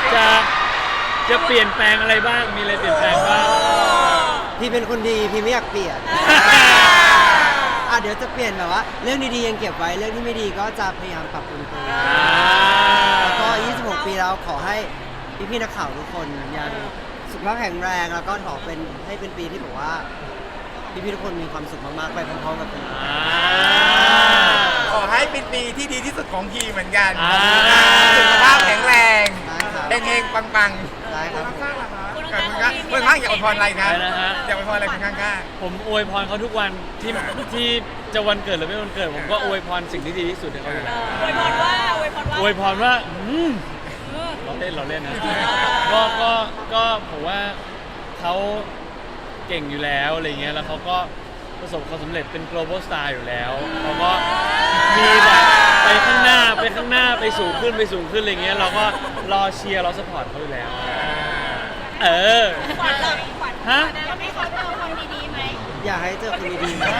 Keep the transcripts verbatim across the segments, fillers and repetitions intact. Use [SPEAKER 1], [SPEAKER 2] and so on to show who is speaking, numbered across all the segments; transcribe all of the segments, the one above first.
[SPEAKER 1] จะจะเปลี่ยนแปลงอะไรบ้างมีอะไรเปลี่ยนแปลงบ้าง
[SPEAKER 2] พี่เป็นคนดีพี่ไม่อยากเปลี่ยนอ่ะเดี๋ยวจะเปลี่ยนแบบว่าเรื่องดีๆยังเก็บไว้เรื่องที่ไม่ดีก็จะพยายามปรับปรุงตัวแล้วก็ยี่สิบหกปีแล้วขอให้พี่ๆนักข่าวทุกคนยังสุขภาพแข็งแรงแล้วก็ขอเป็นให้เป็นปีที่แบบว่าพี่ๆทุกคนมีความสุขมากๆไปพร้อมๆกับผม
[SPEAKER 3] ขอให้เป็นปีที่ดีที่สุดของทีเหมือนกัน
[SPEAKER 1] อ่า
[SPEAKER 3] สุขภาพแข็งแรง
[SPEAKER 2] ได้ครับ
[SPEAKER 3] เฮงๆปังๆ
[SPEAKER 2] ได้ครับผม
[SPEAKER 3] ขอบคุณครับคนข้างอยากอวยพรอะไรครับ
[SPEAKER 1] อะไรนะฮะ
[SPEAKER 3] อยากอวยพรอะไรคนข้าง
[SPEAKER 1] ผมอวยพรเขาทุกวันที่ที่จะวันเกิดหรือไม่วันเกิดผมก็อวยพรสิ่งที่ดีที่สุดให้เขาอยู่แล้ว
[SPEAKER 4] อวยพรว่าอวยพรว่า
[SPEAKER 1] อวยพรว่าอืมเราเล่นเราเล่นนะก็ก็ก็ผมว่าเขาเก่งอยู่แล้วอะไรเงี้ยแล้วเขาก็ประสบความสำเร็จเป็น global star อยู่แล้วเขาก็มีแบบไปข้างหน้าไปข้างหน้าไปสูงขึ้นไปสูงขึ้นอะไรเงี้ยเราก็รอเชียร์เราสปอร์ตเขาอยู่แล้ว เออ
[SPEAKER 4] ขวัญเลยขวัญ
[SPEAKER 1] ฮะ
[SPEAKER 4] อยากให้เขาเจอคนดีๆไหม
[SPEAKER 2] อยากให้เจอคนดีๆ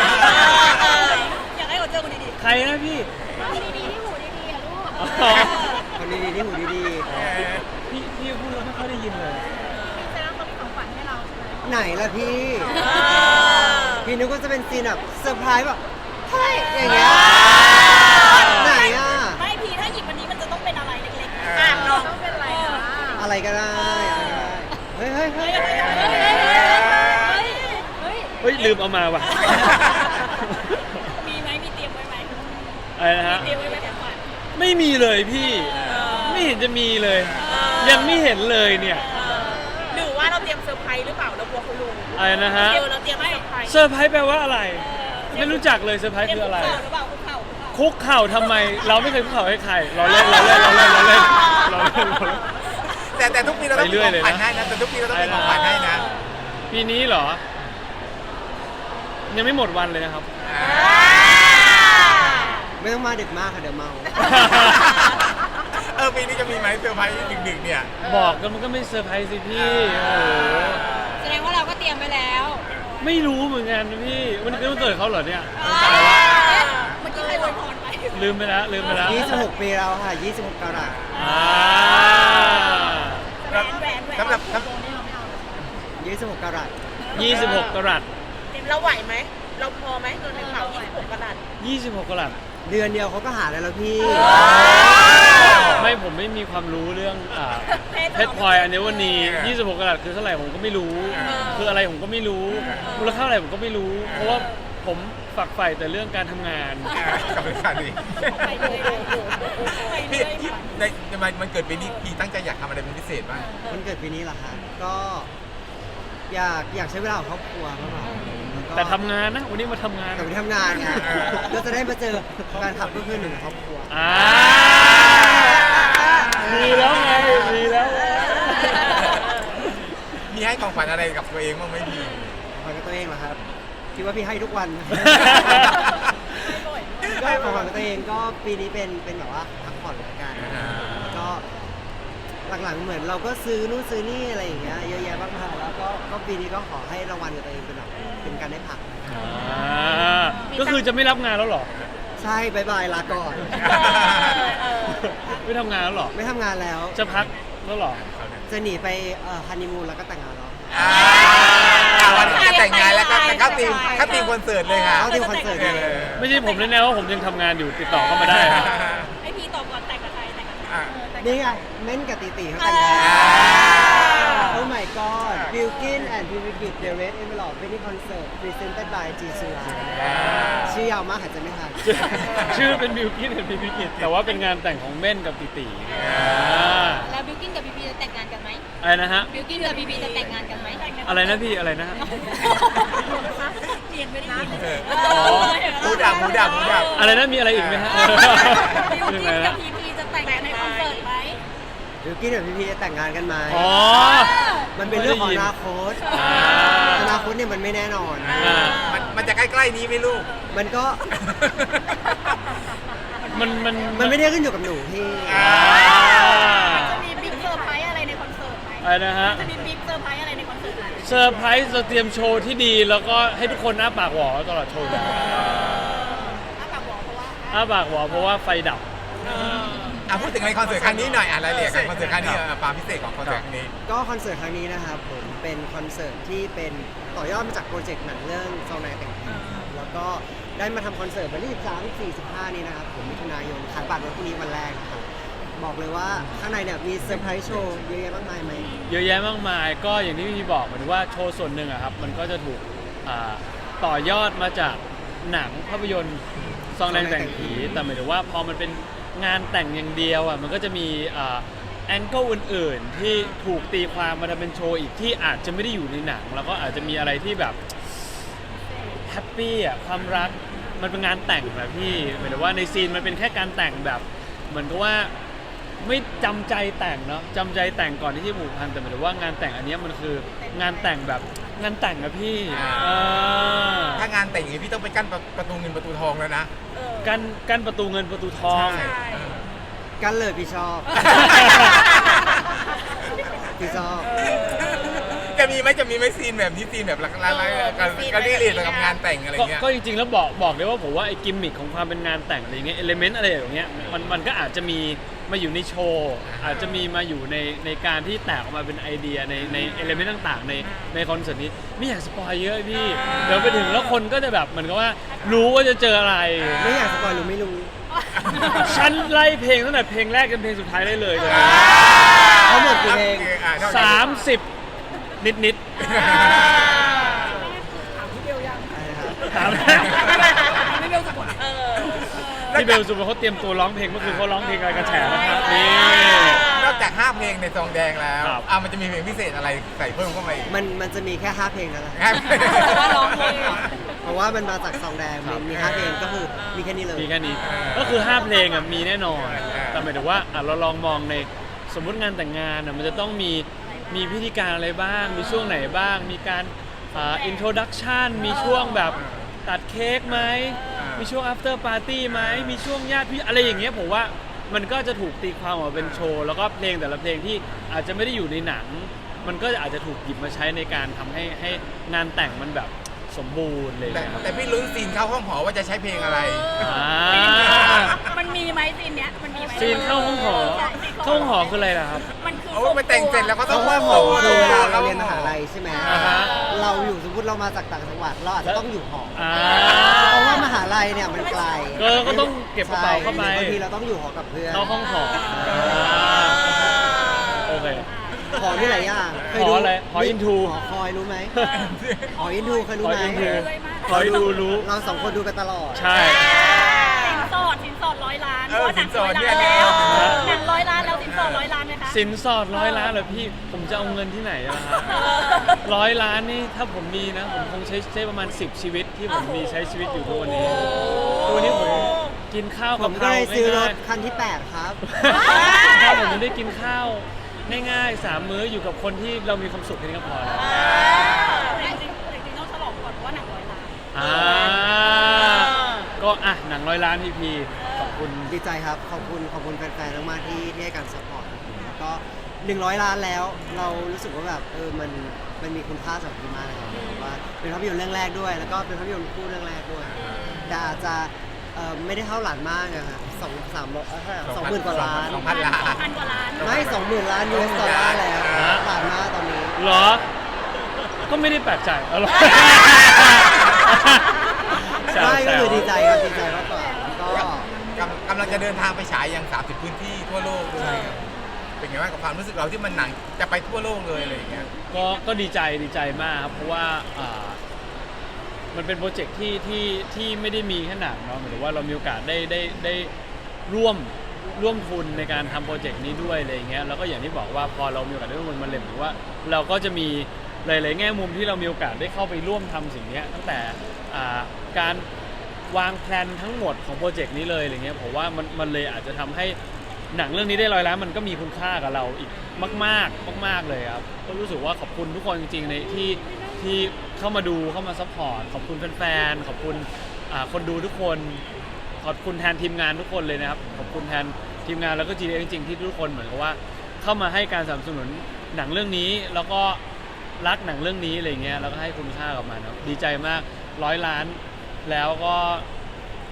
[SPEAKER 4] อยากให้เขาเจอคนดี
[SPEAKER 1] ใครนะพี่
[SPEAKER 4] ๆคนดีๆที่หูดีๆอ่ะลูก
[SPEAKER 1] อ๋อ
[SPEAKER 2] คนดีๆที่หูดี
[SPEAKER 1] พี่พี่พูดแล้วไม่ค่อยได้ยินเลย
[SPEAKER 4] แสดงว่าเขามีของขวัญให้เราใช่ไหม
[SPEAKER 2] ๆไหนล่ะพี่ พี่นึกว่าจะเป็นซีนแบบเซอร์ไพรส์แบบเฮ้ยอย่างเงี้ยไหนอ่ะ
[SPEAKER 4] ไม่พีถ้าหยิบวันนี้มันจะต้องเป็นอะไรเล็กๆอ่ะน้องต้องเป็นอะไรนะ
[SPEAKER 2] อะไรก็ได้อะไรก็ได้เฮ้ยเฮ้ยเฮ้ย
[SPEAKER 4] เฮ้ยเฮ้ย
[SPEAKER 1] เฮ้ยลืมเอามาว่ะ
[SPEAKER 4] มีไหมมีเตรียมไว้ไหม
[SPEAKER 1] อะไรนะฮะ
[SPEAKER 4] เตรียมไว้ไหมของขวัญ
[SPEAKER 1] ไม่มีเลยพี่ ไม่เห็นจะมีเลย ยังไม่เห็นเลยเนี่ย
[SPEAKER 4] หรือว่าเราเตรียมเซอร์ไพรส์หรือเปล่าเรากลัวเขารู้
[SPEAKER 1] อะไรนะฮะ
[SPEAKER 4] เดี๋ยวเราเตรียมเซอร์ไพรส์
[SPEAKER 1] เซอร์ไพรส์แปลว่าอะไร ไม่รู้จักเลยเซอร์ไพรส์คืออะไร
[SPEAKER 4] เตรียมคุกเข่าหรือเปล่าคุกเข่าคุกเข่า
[SPEAKER 1] คุกเข่าทำไม เราไม่เคยคุกเข่าให้ใคร เราเล่นเราเล่นเราเล่นเราเล่นเราเล่นเราเล่น
[SPEAKER 3] แต่แต่ทุกปีเราต้องมีของขวัญให้นะแต่ทุกปีเราต้องมีของขวัญให้นะ
[SPEAKER 1] ปีนี้เหรอ ยังไม่หมดวันเลยนะครับ
[SPEAKER 2] ไม่ต้องมาดึกมากค่ะเดี๋ยวเมา
[SPEAKER 3] เออปีนี้จะมีไหมเซอร์ไพรส์ดึกๆเนี่ย
[SPEAKER 1] บอกกันมันก็ไม่เซอร์ไพรส์สิพี่ โอ้โห
[SPEAKER 4] แสดงว่าเราก็เตรียมไว้แล้ว
[SPEAKER 1] ไม่รู้เหมือนกันนะพี่ วันนี้เป็นวันเกิดเขาเหรอเนี่ย
[SPEAKER 4] เมื่อกี้ใครอวยพรไป
[SPEAKER 1] ลืมไปแล้วลืมไปแล้ว
[SPEAKER 2] ยี่สิบหกปีแล้วค่ะยี่สิบหกกรัต
[SPEAKER 1] อ่า
[SPEAKER 4] แหวนแหวนแหวน
[SPEAKER 3] สำหรับสำ
[SPEAKER 2] ยี่สิบหกกรัต
[SPEAKER 1] ยี่สิบหกกรัต
[SPEAKER 4] เราไหวไหม เราพอไหมเงินในกระเป๋ายี่สิบหกกระดาษ
[SPEAKER 1] ยี่สิบหกกรัต
[SPEAKER 2] เดือนเดียวเขาก็หาได้แล้วพี่
[SPEAKER 1] ไม่ผมไม่มีความรู้เรื่องอ่าเพชรพลอยอันนี้วันนี้ยี่สิบหกกรัตคือเท่าไหร่ผมก็ไม่รู้ คืออะไรผมก็ไม่รู้ มูลค่าอะไรผมก็ไม่รู้ เพราะว่าผมฝักใฝ่แต่เรื่องการทำงาน
[SPEAKER 3] กับเป็นการดี
[SPEAKER 4] ไปเลยไปเล
[SPEAKER 3] พี่
[SPEAKER 4] ย
[SPEAKER 3] พี่ในในมันมันเกิดปีนี้พี่ตั้งใจอยากทำอะไรเป็นพิเศษบ้าง
[SPEAKER 2] วันเกิดปีนี้เหรอคะก็อยากอยากใช้เวลากับครอบครัวมากกว่าล้วก็
[SPEAKER 1] แต่ทำงานนะ วันนี้มาทำงาน
[SPEAKER 2] กลับไปทำงานไงก็จะได้มาเจอแฟนคลับเพื่อนๆหนึ่งครอบครัว
[SPEAKER 1] อ่ามีแล้วไงมีแล้ว
[SPEAKER 3] มีให้ของขวัญอะไรกับตัวเองบ้างไหมพี่
[SPEAKER 2] ขวัญกับตัวเองเหรอครับคิดว่าพี่ให้ทุกวัน ก็ของขวัญกับตัวเองก็ปีนี้เป็นเป็นแบบว่าพักผ่อนละกันก็หลังๆเหมือนเราก็ซื้อนู่นซื้อนี่อะไรอย่างเงี้ยเยอะแยะมากมายแล้วก็ก็ปีนี้ก็ขอให้รางวัลกับตัวเองเป็นแบบเป็นการได้พัก
[SPEAKER 1] อ่าก็คือจะไม่รับงานแล้วเหรอ
[SPEAKER 2] ใช่บายบายลาก่อน
[SPEAKER 1] ไม่ทำงานแล้วเหรอ
[SPEAKER 2] ไม่ทำงานแล้ว
[SPEAKER 1] จะพักแล้วเหรอ
[SPEAKER 2] จะหนีไปเอ่อฮันนีมูนแล้วก็แต่งงานแล้ว
[SPEAKER 3] อ่าวันนี้จะแต่งงานแล้วก็เข้าทีมเข้าทีมคอนเสิร์ตเลยค่ะ
[SPEAKER 2] เข้าทีมคอนเสิร์ตเลย
[SPEAKER 1] ไม่ใช่ผมแน่ๆว่าผมยังทำงานอยู่ติดต่อเข้ามาได้นะ
[SPEAKER 4] ไอพีตอบก่อนแต่งกับใครแต่งกับใคร
[SPEAKER 3] อ่ะ
[SPEAKER 2] นี่ไงเม้นกับตีตีเขาแต่งงาน
[SPEAKER 3] อ่า
[SPEAKER 2] Oh my god Bilkin and p i v i k i t The Red Envelope Wedding Concert Presented by G สุราชื่อยาวมากหายใจไม่ทัน
[SPEAKER 1] ชื่อเป็นบิวกิ้นกับพีพีกิจแต่ว่าเป็นงานแต่งของเม่นกับติติอ่า
[SPEAKER 4] แล้วบิวกินกับบีบีจะแต่งงานกันไหม
[SPEAKER 1] อะไรนะฮะ
[SPEAKER 4] บิวกินกับบีบีจะแต่งงานกันไหม
[SPEAKER 1] อะไรนะพี่อะไรนะฮะ
[SPEAKER 4] เรียนไม่ได้ยิน
[SPEAKER 1] อ๋อ
[SPEAKER 3] หมูดับหมูดับหมูดับ
[SPEAKER 1] อะไรนะมีอะไรอีกไหมฮะ
[SPEAKER 4] บิว
[SPEAKER 1] ยั
[SPEAKER 4] กิ
[SPEAKER 1] ง
[SPEAKER 4] น
[SPEAKER 1] ไง
[SPEAKER 4] กั
[SPEAKER 1] นะ
[SPEAKER 4] บพีพีจะแต่งในคอนเสิร์ตไหม
[SPEAKER 2] Bilkin กับ พี พี จะแต่งงานกันไหม
[SPEAKER 1] อ๋อ
[SPEAKER 2] มันเป็นเรื่องของอนาคต
[SPEAKER 1] อ่า
[SPEAKER 2] อนาคตเนี่ยมันไม่แน่นอน
[SPEAKER 1] อ่า
[SPEAKER 3] มันมันจะใกล้ๆนี้ไหมลูก
[SPEAKER 2] มันก็
[SPEAKER 1] มันมัน
[SPEAKER 2] มันไม่ได้ขึ้นอยู่กับหนูพี่
[SPEAKER 1] อ่า
[SPEAKER 4] จะมีบิ๊กเซอร์ไพรส์อะไรในคอนเสิร์ตไหม
[SPEAKER 1] อะไรนะฮะ
[SPEAKER 4] จะมีบิ๊กเซอร์ไพรส์อะไรในคอนเสิร์ตไหม
[SPEAKER 1] เซอร์ไพรส์จะเตรียมโชว์ที่ดีแล้วก็ให้ทุกคนอ้าปากหวอตลอดโชว์
[SPEAKER 4] ถ้าแบบบอกเพราะว่า
[SPEAKER 1] อ้าปากหวอเพราะว่าไฟดับ
[SPEAKER 3] อ่ะพูดถึงในคอนเสิร์ตครั้งนี้หน่อยอ่ะรายละเอียดของคอนเสิร์ตครั้งนี้อ่ะความพิเศษของคอนเสิร์ตครั้งนี้
[SPEAKER 2] ก็คอนเสิร์ตครั้งนี้นะครับผมเป็นคอนเสิร์ตที่เป็นต่อยอดมาจากโปรเจกต์หนังเรื่องซองนายแต่งผีครับแล้วก็ได้มาทำคอนเสิร์ตวันที่สิบสาม สิบสี่ สิบห้านี้นะครับผมมิถุนายนขายบัตรวันพรุ่งนี้วันแรกนะครับบอกเลยว่าข้างในเนี่ยมีเซอร์ไพรส์โชว์เยอะแยะมากมายไหม
[SPEAKER 1] เยอะแยะมากมายก็อย่างที่พี่บอกเหมือนว่าโชว์ส่วนหนึ่งอะครับมันก็จะถูกอ่าต่อยอดมาจากหนังภาพยนตร์ซองแดงแต่งผีแต่หมายถึงว่าพอมันเป็นงานแต่งอย่างเดียวอะมันก็จะมีแองเกิลอื่นๆที่ถูกตีความมาทำเป็นโชว์อีกที่อาจจะไม่ได้อยู่ในหนังแล้วก็อาจจะมีอะไรที่แบบแฮปปี้อะความรักมันเป็นงานแต่งแบบพี่หมายถึงว่าในซีนมันเป็นแค่การแต่งแบบเหมือนกับว่าไม่จำใจแต่งเนาะจำใจแต่งก่อนที่จะผูกพันแต่หมายถึงว่างานแต่งอันเนี้ยมันคืองานแต่งแบบงานแต่งอะพี่
[SPEAKER 3] อ่า
[SPEAKER 1] เออ
[SPEAKER 3] ถ้างานแต่งอย่างนี้พี่ต้องไปกั้นประประตูเงินประตูทองแล้วนะ
[SPEAKER 1] กั้นกั้นประตูเงินประตูทอง
[SPEAKER 3] ใช่
[SPEAKER 2] กันเลยพี่ชอบ พี่ชอบ
[SPEAKER 3] จะมีไหมจะมีไหมซีนแบบนี้ซีนแบบละละละกันกันรีดกับงานแต่งอะไร
[SPEAKER 1] ก็
[SPEAKER 3] เงี้ย
[SPEAKER 1] ก็จริงๆแล้วบอกบอกเลยว่าผมว่าไอ้กิมมิคของความเป็นงานแต่งอะไรอย่างเงี้ยเอลิเมนต์อะไรอย่างเงี้ยมันมันก็อาจจะมีมาอยู่ในโชว์อาจจะมีมาอยู่ในในการที่แตกออกมาเป็นไอเดียในในเอลิเมนต์ต่างๆในในคอนเสิร์ตนี้ไม่อยากสปอยเยอะพี่เดี๋ยวไปถึงแล้วคนก็จะแบบเหมือนกับว่ารู้ว่าจะเจออะไร
[SPEAKER 2] ไม่อยากสปอยหรือไม่รู้
[SPEAKER 1] ฉันไล่เพลงตั้งแต่เพลงแรกจนเพลงสุดท้ายได้เลยเลย
[SPEAKER 2] ทั้งหมดกี่เพลง
[SPEAKER 3] อ่ะเท่าไหร่
[SPEAKER 1] สามสิบนิดนิด
[SPEAKER 2] อะไรนะครับ
[SPEAKER 1] ๆถาม
[SPEAKER 4] ไม่เบลสะกดเออ
[SPEAKER 1] พี่เบลสุภเขาเตรียมตัวร้องเพลงเมื่อคืนเขาร้องเพลงอะไรกระแฉนะครับนี่
[SPEAKER 3] นอกจากห้าเพลงในซองแดงแล้ว
[SPEAKER 1] ครับ
[SPEAKER 3] อ่ะมันจะมีเพลงพิเศษอะไรใส่เพิ่มเข้ามาอีก
[SPEAKER 2] มันมันจะมีแค่ห้าเพลงนั่นแหละ
[SPEAKER 3] ครับ
[SPEAKER 4] แต่ว่าร้องเพลง
[SPEAKER 2] เพราะว่ามันมาจากซองแดงมีมีห้าเพลงก็คือมีแค่นี้เลย
[SPEAKER 1] มีแค่นี้ก็คือห้าเพลงอ่ะมีแน่นอนแต่หมายถึงว่าอ่ะเราลองมองในสมมุติงานแต่งงานอ่ะมันจะต้องมีมีพิธีการอะไรบ้าง มีช่วงไหนบ้าง มีการอ่าอินโทรดักชันมีช่วงแบบตัดเค้กไหมมีช่วง after party ไหมมีช่วงญาติพี่อะไรอย่างเงี้ยผมว่ามันก็จะถูกตีความออกมาเป็นโชว์แล้วก็เพลงแต่ละเพลงที่อาจจะไม่ได้อยู่ในหนัง มันก็อาจจะถูกหยิบมาใช้ในการทำให้ให้งานแต่งมันแบบสมบูรณ์เลย
[SPEAKER 3] แต่
[SPEAKER 1] นะครับ
[SPEAKER 3] แต่พี่ลุ้นซีนเข้าห้องหอว่าจะใช้เพลงอะไร
[SPEAKER 1] อ่า
[SPEAKER 4] มันมีไหมซีนเนี้ยมันมีไหม
[SPEAKER 1] ซีนเข้าห้องหอ
[SPEAKER 4] ใช่ซีน
[SPEAKER 1] เข้าห้องหอคืออะไรล่ะครับ
[SPEAKER 4] มันคือ
[SPEAKER 3] โอ้ไปแต่งเสร็จแล้วก็
[SPEAKER 2] เพ
[SPEAKER 3] ต้อง
[SPEAKER 2] ราะว่า
[SPEAKER 3] ห้อง
[SPEAKER 2] ห
[SPEAKER 3] ห
[SPEAKER 2] อ
[SPEAKER 3] อ
[SPEAKER 2] คือเวลาเราเรียนมหาลัยใช่ไหม
[SPEAKER 1] อ่าฮะ
[SPEAKER 2] เราอยู่สมมติเรามาจากต่างจังหวัดเราอาจจะต้องอยู่หอ
[SPEAKER 1] อ่า
[SPEAKER 2] เพราะว่ามหาลัยเนี่ยมันไกล
[SPEAKER 1] ก็ก็ต้องเก็บกระเป๋าเข้าไป
[SPEAKER 2] ใช่บางทีเราต้องอยู่หอกับเพื่อน
[SPEAKER 1] เข้าห้องหอโอเค
[SPEAKER 2] หอที่หลายอย่างเคย
[SPEAKER 1] ห
[SPEAKER 2] ดู
[SPEAKER 1] ออะไรหออินทู
[SPEAKER 2] หอคอยรู้ไหมหออินทูเคยรู้
[SPEAKER 1] ขอ
[SPEAKER 2] ไหม
[SPEAKER 1] อินทู
[SPEAKER 4] เลยมาก
[SPEAKER 1] ขออินทูรู้
[SPEAKER 2] เราสองคนดูกันตลอด
[SPEAKER 1] ใช่
[SPEAKER 4] สินสอดสินสอดร้อยล้าน
[SPEAKER 3] เออ
[SPEAKER 4] เพราะหนังร้อย
[SPEAKER 3] สินสอดเนี่
[SPEAKER 4] ล้าย นแล้ว
[SPEAKER 1] เออ
[SPEAKER 4] หนังร้อยล้านแล้วสินสอดร้อยล้านไหมคะ
[SPEAKER 1] สินสอดร้อยล้านเหรอพี่ ผมจะเอาเงินที่ไหนล่ะครับร้อยล้านนี่ถ้าผมมีนะ ผมคงใช้ใช้ประมาณสิบชีวิตที่ผมมีใช้ชีวิตอยู่ทุกวันนี้ทุกวันนี้ผมกินข้าว
[SPEAKER 2] ผ
[SPEAKER 1] กับ
[SPEAKER 2] ม
[SPEAKER 1] เพ
[SPEAKER 2] ก็
[SPEAKER 1] รา
[SPEAKER 2] เลยซื้อร
[SPEAKER 1] ง่า
[SPEAKER 2] ถ
[SPEAKER 1] ย
[SPEAKER 2] คันที่แปดครับ
[SPEAKER 1] ๆถ้าผมยังได้กินข้าวง่ายๆสามมื้ออยู่กับคนที่เรามีความสุขแค่นี้ก็พอแล้ว
[SPEAKER 4] จริงๆจริงๆต้องฉลองก่อนเพราะว่าหนังร้อยล้าน
[SPEAKER 1] อ่าก็อ่ะหนังร้อยล้านพีพีขอบคุณ
[SPEAKER 2] ดีใจครับ ขอบคุณขอบคุณแฟนๆมากๆที่ที่ให้การสปอร์ตแล้วก็หนึ่งร้อยล้านแล้ว เรารู้สึกว่าแบบเออมันมันมีคุณค่าสำหรับพี่มากนะครับเพราะว่าเป็นภาพยนตร์เรื่องแรกด้วย แล้วก็เป็นภาพยนตร์คู่เรื่องแรกด้วยแต่อาจจะเอ่อไม่ได้เท่าหลานมากอะครับสองสามร้อยเอ่อสองหมื่นกว่าล้าน
[SPEAKER 3] สองพันล้าน
[SPEAKER 4] พันกว่าล้าน
[SPEAKER 2] ไม่สองหมื่นล้านยูเอสดอลลาร์แล้วหลานมากตอนนี้
[SPEAKER 1] เหรอ ก็ไม่ได้แปลกใจเอาหรอ
[SPEAKER 2] ไม่ก็คือดีใจครับดีใจมากกว่าก็
[SPEAKER 3] กำกำลังจะเดินทางไปฉายยังสามสิบพื้นที่ทั่วโลกเล
[SPEAKER 2] ใช่
[SPEAKER 3] ย
[SPEAKER 2] ครับ
[SPEAKER 3] เป็นไงบ้างกับความรู้สึกเราที่มันหนังจะไปทั่วโลกเลยอะไรอย่างเงี้ย
[SPEAKER 1] ก็ก็ดีใจดีใจมากครับ เพราะว่าอ่ามันเป็นโปรเจกต์ที่ที่ที่ไม่ได้มีแค่หนังเนาะหมายถึงว่าเรามีโอกาสได้ได้ได้ร่วมร่วมทุนในการทำโปรเจกต์นี้ด้วยอะไรอย่างเงี้ยแล้วก็อย่างที่บอกว่าพอเรามีโอกาสได้ร่วมทุนมันเลยเหมือนว่าเราก็จะมีหลายๆแง่มุมที่เรามีโอกาสได้เข้าไปร่วมทำสิ่งเนี้ยตั้งแต่อ่าการวางแผนทั้งหมดของโปรเจกต์นี้เลยอะไรเงี้ยผมว่ามันมันเลยอาจจะทำให้หนังเรื่องนี้ได้ร้อยล้านมันก็มีคุณค่ากับเราอีกมากๆมาก ๆเลยครับก็รู้สึกว่าขอบคุณทุกคนจริงๆในที่ที่เข้ามาดูเข้ามาซัพพอร์ตขอบคุณแฟนๆขอบคุณอ่าคนดูทุกคนขอบคุณแทนทีมงานทุกคนเลยนะครับขอบคุณแทนทีมงานแล้วก็ จี เอ จริงๆที่ทุกคนเหมือนกับว่าเข้ามาให้การสนับสนุนหนังเรื่องนี้แล้วก็รักหนังเรื่องนี้อะไรเงี้ยแล้วก็ให้คุณค่ากับมันครับดีใจมากร้อยล้านแล้วก็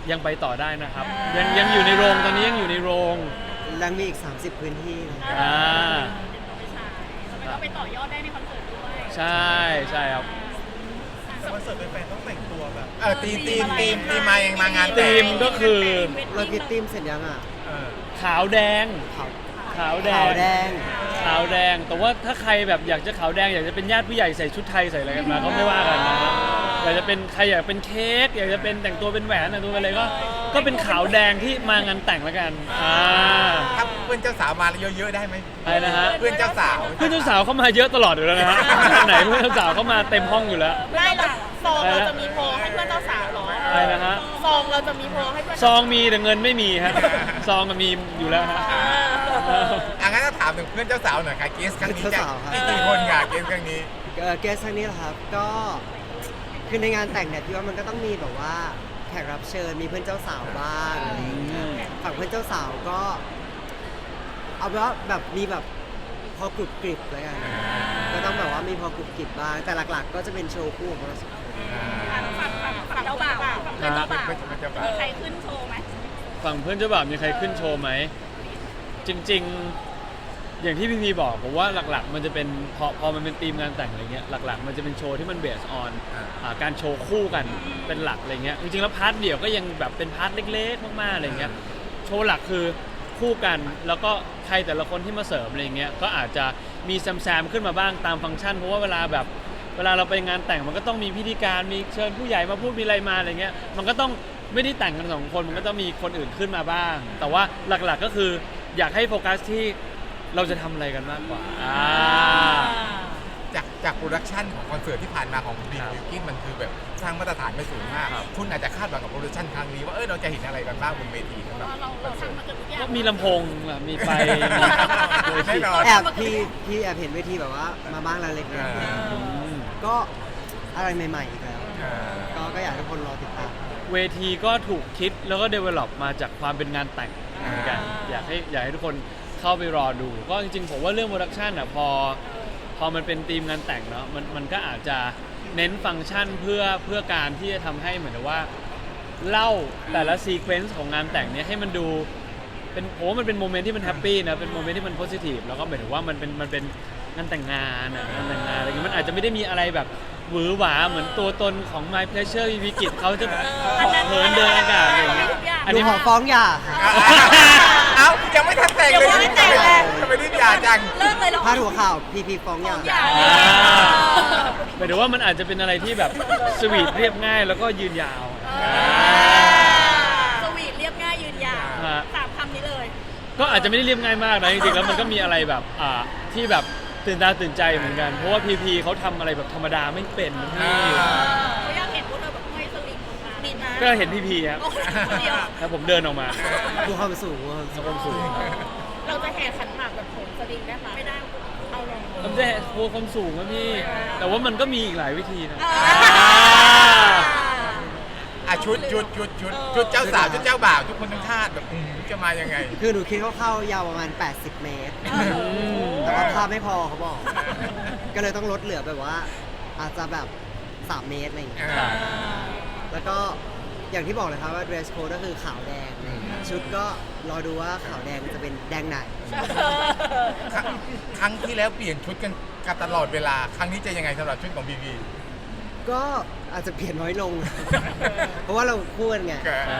[SPEAKER 1] ยังไปต่อได้นะครับ ยังยังอยู่ในโรงตอนนี้ยังอยู่ในโรง
[SPEAKER 2] ยังมีอีก สามสิบ พื้นที่เลย
[SPEAKER 1] อ่า
[SPEAKER 4] แล้วก็ไปต่อยอดได้ในคอนเสิร์ตด้วย
[SPEAKER 1] ใช่ใช่ครับ
[SPEAKER 5] คอนเสิร์ตเป็นแฟนต้องแต่งตัวแบบ
[SPEAKER 3] เออทีมทีมทีมทีมมายังมางาน
[SPEAKER 1] ที
[SPEAKER 3] แต่ง
[SPEAKER 1] มก็คือ
[SPEAKER 2] เราคิดทีมเสร็จยังอ่ะ
[SPEAKER 3] เออ
[SPEAKER 1] ขาวแดง
[SPEAKER 2] ขาว
[SPEAKER 1] ขาวแด
[SPEAKER 2] ขาว
[SPEAKER 1] ง
[SPEAKER 2] แดง
[SPEAKER 1] ขาวแดง แต่ว่าถ้าใครแบบอยากจะขาวแดงอยากจะเป็นญาติผู้ใหญ่ใส่ชุดไทยใส่อะไรกันมาก็ไม่ว่ากันนะอยากจะเป็นใครอยากเป็นเค้กอยากจะเป็นแต่งตัวเป็นแหวนแต่งตัวเป็นอะไรก็ก็เป็นขาวแดงที่มางานแต่งแล้วกันอ่า
[SPEAKER 3] ถ้าเพื่อนเจ้าสาวมาเยอะๆได้ไหม
[SPEAKER 1] อะไรนะฮะ
[SPEAKER 3] เพื่อนเจ้าสาว
[SPEAKER 1] เพื่อนเจ้าสาวเข้ามาเยอะตลอดอยู่แล้วนะฮะไหนเพื่อนเจ้าสาวเข้ามาเต็มห้องอยู่แล้ว
[SPEAKER 4] ได้หรอซองเราจะมีโพลให้เพื่อนเจ้าสาวเหรอ
[SPEAKER 1] อะไรนะฮะ
[SPEAKER 4] ซองเราจะมีโพลให้เพื่อน
[SPEAKER 1] ซองมีแต่เงินไม่มีฮะซองมันมีอยู่แล้วฮะ
[SPEAKER 4] เออ
[SPEAKER 3] อ่ะงั้นก็ถามถึงเพื่อนเจ้าสาวหน่อยค่ะเกสครั้งนี้จะ
[SPEAKER 2] เจ้าสาวครับ
[SPEAKER 3] มีกี่คนค่ะเกสครั้งนี้
[SPEAKER 2] เอ่อเกสครั้งนี้เหรอครับก็คือในงานแต่งเนี่ยพี่ว่ามันก็ต้องมีแบบว่าแขกรับเชิญมีเพื่อนเจ้าสาวบ้างอะไรอย่างเงี้ยฝั่งเพื่อนเจ้าสาวก็ เอาเป็นว่าแบบมีแบบพอกรุบกริบแล้วกันก็ต้องแบบว่ามีพอกรุบกริบบ้างแต่หลักๆ ก็จะเป็นโชว์คู่ของเราสองคน
[SPEAKER 4] ฝั่งฝั่งฝั่งฝั่งเจ้าบ่าวฝั่งเพื่อนเจ้าบ่าว
[SPEAKER 3] เพื่อนเจ้าบ่าว
[SPEAKER 4] มีใครขึ้นโชว์ไหม
[SPEAKER 1] ฝั่งเพื่อนเจ้าบ่าวมีใครขึ้นโชว์ไหมจริงๆอย่างที่พี่พีบอกผมว่าหลักๆ มันจะเป็นพอพอมันเป็นธีมงานแต่งอะไรเงี้ยหลักๆ มันจะเป็นโชว์ที่มันเบสออนการโชว์คู่กันเป็นหลักอะไรเงี้ยจริงๆแล้วพาร์ทเดี่ยวก็ยังแบบเป็นพาร์ทเล็กๆมากๆอะไรเงี้ยโชว์หลักคือคู่กันแล้วก็ใครแต่ละคนที่มาเสริมอะไรเงี้ยก็อาจจะมีแซมๆขึ้นมาบ้างตามฟังก์ชันเพราะว่าเวลาแบบเวลาเราไปงานแต่งมันก็ต้องมีพิธีการมีเชิญผู้ใหญ่มาพูดมีอะไรมาอะไรเงี้ยมันก็ต้องไม่ได้แต่งกันสองคนมันก็ต้องมีคนอื่นขึ้นมาบ้าง แต่ว่าหลักๆก็คืออยากให้โฟกัสที่เราจะทำอะไรกันมากกว่าอ่า
[SPEAKER 3] จากจากโปรดักชันของคอนเสิร์ตที่ผ่านมาของบี
[SPEAKER 1] ครับ
[SPEAKER 3] บิวกิ้นมันคือแบบสร้างมาตรฐานไปสูงมาก
[SPEAKER 1] ครับ
[SPEAKER 3] คุณอาจจะคาดหวังกับโปรดักชันครั้งนี้ว่าเออเราจะเห็นอะไรกันบ้างบนเวทีสำหรับ
[SPEAKER 4] เรา
[SPEAKER 3] ค
[SPEAKER 4] เรา
[SPEAKER 3] อนเสิร์ต
[SPEAKER 4] ทำมาเกือบทุกอย่าง
[SPEAKER 1] ก็มีลำโพงอ่ะมีไฟ
[SPEAKER 3] แน่นอน
[SPEAKER 2] แอบพี่พี่แอบเห็นเวทีแบบว่ามาบ้างแล้วเล็กน้อย
[SPEAKER 3] อ่า
[SPEAKER 2] ก็อะไรใหม่ๆอีกแล้ว
[SPEAKER 3] เออ
[SPEAKER 2] ก็ก็อยากให้ทุกคนรอติดตาม
[SPEAKER 1] เวทีก็ถูกคิดแล้วก็ develop มาจากความเป็นงานแต่งเหมือนกันอยากให้อยากให้ทุกคนเข้าไปรอดู ก็จริงๆผมว่าเรื่องโปรดักชันอ่ะพอพอมันเป็นธีมงานแต่งเนาะมันมันก็อาจจะเน้นฟังก์ชันเพื่อเพื่อการที่จะทำให้เหมือนกับว่าเล่าแต่ละซีเควนซ์ของงานแต่งเนี้ยให้มันดูเป็นโอ้มันเป็นโมเมนต์ที่มันแฮปปี้นะเป็นโมเมนต์ที่มันโพสิทีฟแล้วก็หมายถึงว่ามันเป็นมันเป็นงานแต่งงานอ่ะงานแต่งงานอะไรเงี้ยมันอาจจะไม่ได้มีอะไรแบบหวือหวาเหมือนตัวตนของ My Pleasure วิกิตเขาจะเหินเดินอากาศอะไรอย่างเงี้ยอัน
[SPEAKER 2] ดู
[SPEAKER 1] นี้
[SPEAKER 2] ขอฟ้องหย่าค่ะ
[SPEAKER 3] เอ้ายังไม่ทันแต่งเลย
[SPEAKER 4] ยังไม่แต่งเลย
[SPEAKER 3] ทำไมรีบหย่าจัง
[SPEAKER 4] เลิกเลยเหรอ
[SPEAKER 2] พาดหัวข่าวพีพีฟ้องหย่า
[SPEAKER 4] อย่า
[SPEAKER 1] อ่าหมายถึงว่ามันอาจจะเป็นอะไรที่แบบสวีทเรียบง่ายแล้วก็ยืนยาว
[SPEAKER 4] สวีทเรียบง่ายยืนยาว
[SPEAKER 1] ฮะ
[SPEAKER 4] สามคำนี้เลย
[SPEAKER 1] ก็อาจจะไม่ได้เรียบง่ายมากนะจริงๆแล้วมันก็มีอะไรแบบอ่าที่แบบตื่นตาตื่นใจเหมือนกัน เพราะว่าพีพีเขาทำอะไรแบบธรรมดาไม่เป็นนะพี่
[SPEAKER 4] เขาอยากเห็นพวกเราแบบห้อยสลิงลงมาบินมา
[SPEAKER 1] ก็เห็นพีพีครับ
[SPEAKER 4] โอ้ยคนเดียว
[SPEAKER 1] แล้วผมเดินออกมา
[SPEAKER 2] ดูความสูงดูความสูง
[SPEAKER 1] ความสูง
[SPEAKER 4] เราจะแห่ขันหมากแบบโหนสลิงได้ไหมไม่ได้ เอาลง
[SPEAKER 1] ผมจะกลัวความสูงนะพี่ แต่ว่ามันก็มีอีกหลายวิธีนะ
[SPEAKER 3] อ่ะชุดชุดชุดชุดชุดเจ้าสาวชุดเจ้าบ่าวทุกคนต้องคาดแบบอืมจะมายังไง
[SPEAKER 2] คือหนูคิดเข้าๆยาวประมาณ แปดสิบ เมตร แต่ว่าภาพไม่พอเขาบอก ก็เลยต้องลดเหลือแบบว่า อาจจะแบบ สาม เมตรอะไรอย่างเงี้ย
[SPEAKER 3] อ่า
[SPEAKER 2] แล้วก็อย่างที่บอกเลยครับว่า dress code ก็คือขาวแดง ชุดก็รอดูว่าขาวแดงจะเป็นแดงไหน
[SPEAKER 3] ครั้งครั้งที่แล้วเปลี่ยนชุดกันกันตลอดเวลา ครั้งนี้จะยังไงสำหรับชุดของบีบี
[SPEAKER 2] ก็อาจจะเปลี่ยนน้อยลง เพราะว่าเราคู่กันไง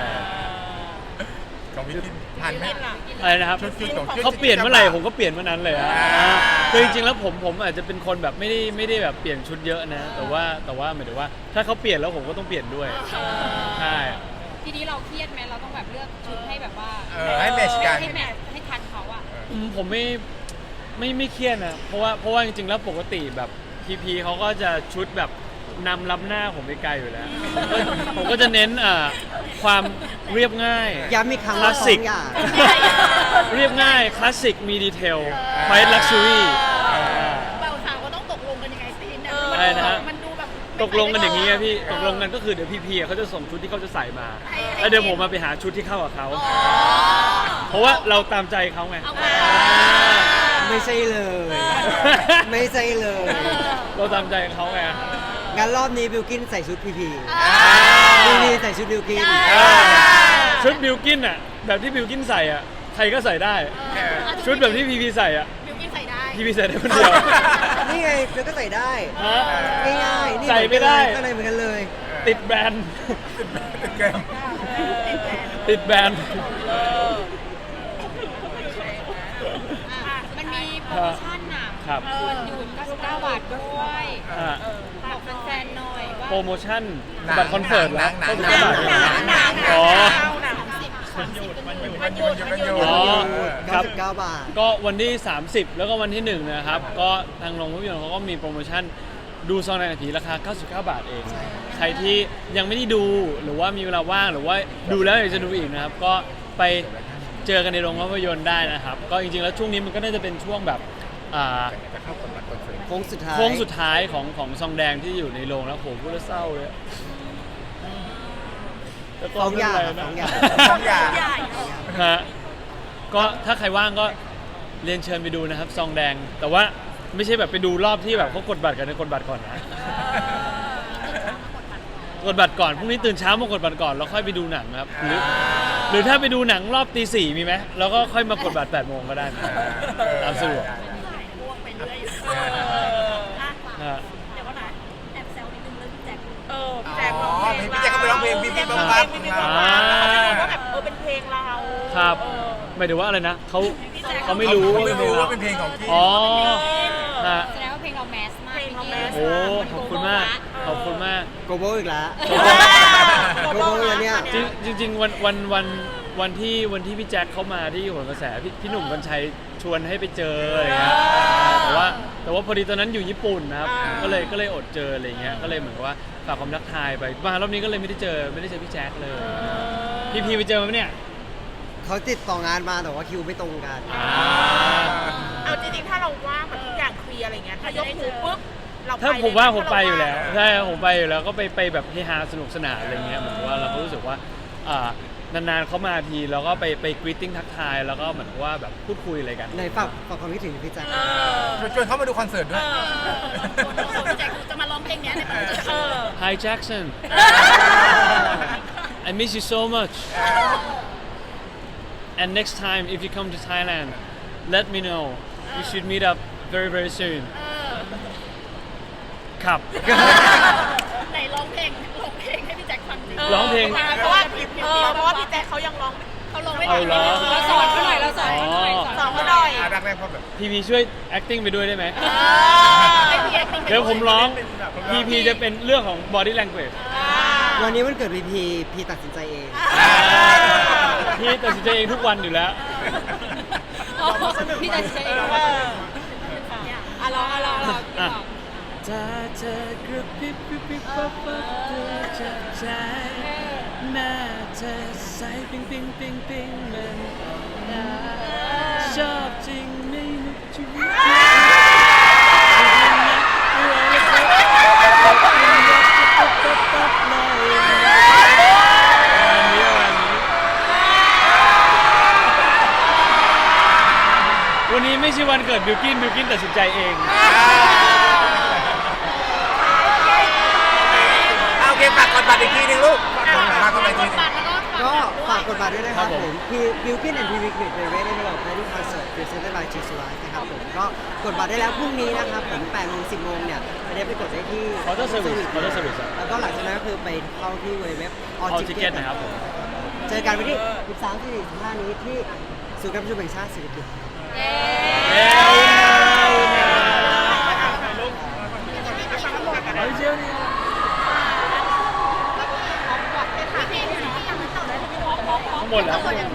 [SPEAKER 3] ของพี่กินทันไหม
[SPEAKER 1] อะไรนะครับ
[SPEAKER 3] ชุดชุดของชุด
[SPEAKER 1] เขาเปลี่ยนเมื่อไหร่ผมก็เปลี่ยนเมื่อนั้นเลยอะ
[SPEAKER 3] อ่า
[SPEAKER 1] คือจริงๆแล้วผมผมอาจจะเป็นคนแบบไม่ได้ไม่ได้แบบเปลี่ยนชุดเยอะนะ แต่ว่าแต่ว่าหมายถึงว่า ถ้าเขาเปลี่ยนแล้วผมก็ต้องเปลี่ยนด้วยใช่
[SPEAKER 6] ทีนี้เราเครียดไหมเราต้องแบบเลือกชุดให้แบบว่า
[SPEAKER 3] เออให้แมทช์กัน
[SPEAKER 6] ให้แมทช์ให้ทันเขาอะ
[SPEAKER 1] อืมผมไม่ไม่ไม่เครียดนะเพราะว่าเพราะว่าจริงๆแล้วปกติแบบพีพีเขาก็จะชุดแบบนำล้ำหน้าผมไปไกลอยู่แล้วผมก็ผมก็จะเน้นอ่าความเรียบง่าย
[SPEAKER 2] ย้ำอีกครั้ง
[SPEAKER 1] ค
[SPEAKER 2] ว่า
[SPEAKER 1] ลาส
[SPEAKER 2] ฟ้
[SPEAKER 1] สิ
[SPEAKER 2] อก งหย่า
[SPEAKER 1] เรียบง่ายคลาสสิกมีดีเทลไ i ลักชัวรี่
[SPEAKER 4] เบาสาวก็ต้องตกลงกันยังไงซีนเนี่ย
[SPEAKER 1] อะไรนะฮะ
[SPEAKER 4] มันดูแบบ
[SPEAKER 1] ตกลงกันอย่างนี้อะพี่ตกลงกันก็คือเดี๋ยวพีพีเขาจะส่งชุดที่เขาจะใส่มา
[SPEAKER 4] ให้ให้
[SPEAKER 1] แล้วเดี๋ยวผมมาไปหาชุดที่เข้ากับเขา
[SPEAKER 4] อ๋อ
[SPEAKER 1] เพราะว่าเราตามใจเขาไง
[SPEAKER 4] เอามา
[SPEAKER 2] ไม่ใช่เลย ไม่ใช่เลย
[SPEAKER 1] เราตามใจเขาไง
[SPEAKER 2] งั้นรอบนี้บิวกินใส่ชุดพีพี
[SPEAKER 4] อ่า
[SPEAKER 2] พีพีใส่ชุดบิวกิน
[SPEAKER 4] อ่า
[SPEAKER 1] ชุดบิลกินอ่ะแบบที่บิลกินใส่อ่ะใครก็ใส่ได้ ชุดแบบที่พีพีใส่อ่ะ
[SPEAKER 6] บิวกินใส่ได้
[SPEAKER 1] พีพีใส่ได้คนเดียว
[SPEAKER 2] นี่ไงเธอก็ใส่ได้
[SPEAKER 1] ฮะ
[SPEAKER 2] ง่ายๆนี่
[SPEAKER 1] ใส่ไม่ได้
[SPEAKER 2] ก็เลยเหมือนกันเลย
[SPEAKER 1] ติดแบรนด์
[SPEAKER 3] ติดแกม
[SPEAKER 1] ติดแบรนด์
[SPEAKER 6] มันมีโปรโมชั่นน่ะ
[SPEAKER 1] ครับ
[SPEAKER 6] วันหยุดเก้าสิบเก้าบาทด้วย
[SPEAKER 1] อ่ะ
[SPEAKER 6] บอกแฟนๆหน่อยว่า
[SPEAKER 1] โปรโมชั่นบัตรคอนเสิร์ตแล้ว
[SPEAKER 3] หนัง
[SPEAKER 1] ต้น
[SPEAKER 3] หนั
[SPEAKER 1] บาง ท
[SPEAKER 3] หนังหนัง
[SPEAKER 1] อ๋อ
[SPEAKER 6] สามสิบสามสิบเป็นหยุด
[SPEAKER 3] มันหยุดมันหยุด
[SPEAKER 1] อ๋อ ครับ
[SPEAKER 2] เก้าสิบเก้าบาท
[SPEAKER 1] ก็วันที่ สามสิบ แล้วก็วันที่ หนึ่ง นะครับ ก็ทางโรงภาพยนตร์เขาก็มีโปรโมชั่นดูซองในนาทีราคา เก้าสิบเก้า บาทเอง ใครที่ยังไม่ได้ดูหรือว่ามีเวลาว่างหรือว่าดูแล้วอยากจะดูอีกนะครับ ก็ไปเจอกันในโรงภาพยนตร์ได้นะครับ ก็จริงๆแล้วช่วงนี้มันก็น่าจะเป็นช่วงแบบอ่า
[SPEAKER 3] จะเข้าคนบัตรคอนเสิร์ต
[SPEAKER 2] โค้งสุดท้าย
[SPEAKER 1] โค้งสุดท้ายของของซองแดงที่อยู่ในโรงแล้วโหพูดแล้วเศร้าเลยแต่ก็
[SPEAKER 2] สองอย่าง
[SPEAKER 1] ไม่เป็นไรนะ
[SPEAKER 2] สองอย่าง
[SPEAKER 3] สองอย่าง
[SPEAKER 1] ฮะก็ถ้าใครว่างก็เรียนเชิญไปดูนะครับซองแดง แต่ว่าไม่ใช่แบบไปดูรอบที่แบบเขากดบัตรกันนะกดบัตรก่อนนะกดบัตรก่อนพรุ่งนี้ตื่นเช้ามากดบัตรก่อนแล้วค่อยไปดูหนังนะครับหรือหรือถ้าไปดูหนังรอบตีสี่มีไหมแล้วก็ค่อยมากดบัตรแปดโมงก็ได้นะตามสะดวก
[SPEAKER 4] พ่วงไปเรื่อยอ่ะ
[SPEAKER 1] ฮะ
[SPEAKER 4] เดี๋ยวก่อนนะแอบแซวนิดนึงเรื่องพี่แจ็คเออ
[SPEAKER 3] อ๋
[SPEAKER 4] พี่แจ็คร้อง
[SPEAKER 3] อ
[SPEAKER 4] เพลง
[SPEAKER 3] พี่แจ็คเขาไปร้องเพลงพี่พี่บ้าบ้า
[SPEAKER 4] พี่บ้าบ้าเขาจะบอกว่าแบบเออเป็นเพลงเรา
[SPEAKER 1] ครับ
[SPEAKER 4] เออ
[SPEAKER 1] หมายถึงว่าอะไรนะเขา
[SPEAKER 4] พี่แจ็ค
[SPEAKER 1] เขาไม่รู้
[SPEAKER 3] เขา
[SPEAKER 1] ว่า
[SPEAKER 3] ไม่
[SPEAKER 1] เป็นเพล
[SPEAKER 3] รู้
[SPEAKER 1] ง
[SPEAKER 3] ว่าเป็นเพลงของพี่
[SPEAKER 1] อ๋อฮะ
[SPEAKER 6] แสดงว่าเพลงเราแมสมาก
[SPEAKER 4] เพลงเราแมส
[SPEAKER 1] โอ้ขอบคุณมากขอบคุณมาก
[SPEAKER 2] โกโบอีกแล้ว
[SPEAKER 1] โกโบ
[SPEAKER 2] โกโบเลยเนี่ย
[SPEAKER 1] จริงจริงๆวันวันวันวันที่วันที่พี่แจ็คเข้ามาที่โหนกระแสพี่พี่หนุ่มกัญชัยชวนให้ไปเจออะไรเงี้ยแต่ว่าแต่ว่าพอดีตอนนั้นอยู่ญี่ปุ่นนะครับก็เลยก็เลยอดเจออะไรเงี้ยก็เลยเหมือนกับว่าฝากความทักทายไปมารอบนี้ก็เลยไม่ได้เจอไม่ได้เจอพี่แจ็คเลยพี่พีไปเจอมาไหมเนี่ย
[SPEAKER 2] เขาติดต่องานมาแต่ว่าคิวไม่ตรงกัน
[SPEAKER 1] อ่า
[SPEAKER 4] เอาจริงๆถ้าเราว่างแบบทุกอย่างเคลียร์อะไรเงี้ยถ้ายกหูปุ๊บเราไป
[SPEAKER 1] ถ้าผมว่าผมไป
[SPEAKER 4] เ
[SPEAKER 1] อยู่แล้วใช่ผมไปอยู่แล้วก็ไปไปแบบเฮฮาสนุกสนานอะไรเงี้ยเหมือนกับว่าเราก็รู้สึกว่าอ่านานๆเขามาทีแล้วก็ไปไปกรีตติ้งทักทายแล้วก็เหมือนกับว่าแบบพูดคุยอะไรกัน
[SPEAKER 2] ในฝากฝากความคิดถึงพี่แจ๊ค
[SPEAKER 4] เออ
[SPEAKER 3] ชวนเขามาดูคอนเสิร์ตด้วย
[SPEAKER 4] พี่แจ็คจะมาร้องเพลงเนี้ยในคอนเสิร์ตเออ
[SPEAKER 1] Hi Jackson I miss you so much and next time if you come to Thailand let me know we should meet up very very soon ครับ
[SPEAKER 4] ไหนร้องเพลงร้องเพลงให้พี่แจ็คฟังสิ
[SPEAKER 1] ร้องเพลง
[SPEAKER 4] เพราะว่าเออเพราะว่าพี่แจ็คเขายังร้องเขาร้องไม่
[SPEAKER 1] เอาเหรอ
[SPEAKER 6] เราสอนเขาหน่อยเราสอนเขาหน่อย
[SPEAKER 4] สอนเขาหน่อย
[SPEAKER 3] อ่ะแรกๆพอแบบ
[SPEAKER 1] พีพีช่วย acting ไปด้วยได้ไหม
[SPEAKER 4] เออให้พี่แจ็คเป็น
[SPEAKER 1] เดี๋ยวผมร้องพีพีจะเป็นเรื่องของ body language
[SPEAKER 2] วันนี้วันเกิดพีพีพีตัดสินใจเอง
[SPEAKER 1] พี่ตัดสินใจเองทุกวันอยู่แล้ว
[SPEAKER 6] พี่ตัดสินใจเองว่าอ่ะรออ่ะรอรอ
[SPEAKER 1] อ่ะ ถ้าเธอกระพริบกระพริบปั๊บปั๊บเธอจะใจหน้าเธอใสปิ๊งปิ๊งปิ๊งปิ๊งมันออกมาชอบจริงไม่นึกถึงวันนี้ไม่ใช่วันเกิดบิวกินบิวกินตัดสินใจเอง
[SPEAKER 3] เอาโอเคฝากกดบัตรอีกทีหนึงลูกฝากกดบัตรอีกทีหนึง
[SPEAKER 2] ก็ฝากกดบัตรด้วยนะครับ
[SPEAKER 1] ครับ
[SPEAKER 2] ผ
[SPEAKER 1] ผม ม
[SPEAKER 2] พี่บิวกินแอนด์พีวิกฤตเรเวทได้ไปหลอกในที่คอนเสิร์ตพรีเซนต์บายจีสไลท์นะครับผมก็กดบัตรได้แล้วพรุ่งนี้นะครับผมแปดโมงสิบโมงเนี่ยไปได้ไปกดได้ที่
[SPEAKER 1] Counter Service Counter Service
[SPEAKER 2] แล้วก็หลังจากนั้นก็คือไปเข้าที่เว็บ All
[SPEAKER 1] เอา
[SPEAKER 2] Ticket
[SPEAKER 1] ทิเก็ตนะครับผม
[SPEAKER 2] เจอกันวันที่ สิบสามถึงสิบห้า นี้ที่ศูนย์การประชุมแห่งชาติเศรษฐกิจ
[SPEAKER 1] เอ้ยเอาเจ้าเนี่ยข้างบนแล้ว